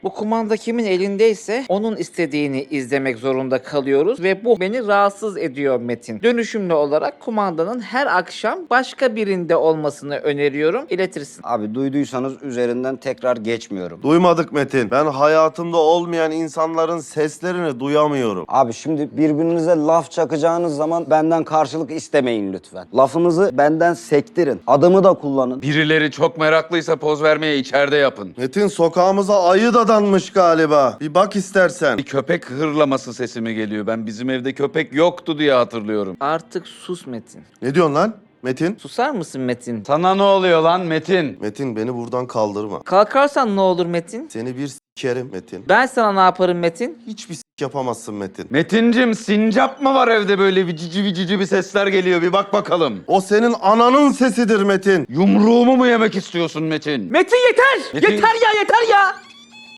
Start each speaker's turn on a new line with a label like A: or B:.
A: Bu kumanda kimin elindeyse onun istediğini izlemek zorunda kalıyoruz ve bu beni rahatsız ediyor Metin. Dönüşümlü olarak kumandanın her akşam başka birinde olmasını öneriyorum. İletirsin.
B: Abi duyduysanız üzerinden tekrar geçmiyorum.
C: Duymadık Metin. Ben hayatımda olmayan insanların seslerini duyamıyorum.
B: Abi şimdi birbirinize laf çakacağınız zaman benden karşılık istemeyin lütfen. Lafınızı benden sektirin. Adımı da kullanın.
D: Birileri çok meraklıysa poz vermeye içeride yapın.
C: Metin sokağımıza ayı dadanmış galiba. Bir bak istersen.
D: Bir köpek hırlaması sesi mi geliyor? Ben bizim evde köpek yoktu diye hatırlıyorum.
A: Artık sus Metin.
C: Ne diyorsun lan Metin?
A: Susar mısın Metin?
D: Sana ne oluyor lan Metin?
C: Metin beni buradan kaldırma.
A: Kalkarsan ne olur Metin?
C: Seni bir sikerim Metin.
A: Ben sana ne yaparım Metin?
C: Hiçbir yapamazsın Metin.
D: Metincim, sincap mı var evde, böyle vicici bir sesler geliyor, bir bak bakalım.
C: O senin ananın sesidir Metin.
D: Yumruğumu mu yemek istiyorsun Metin?
A: Metin yeter!
D: Metin-
A: Yeter ya yeter ya!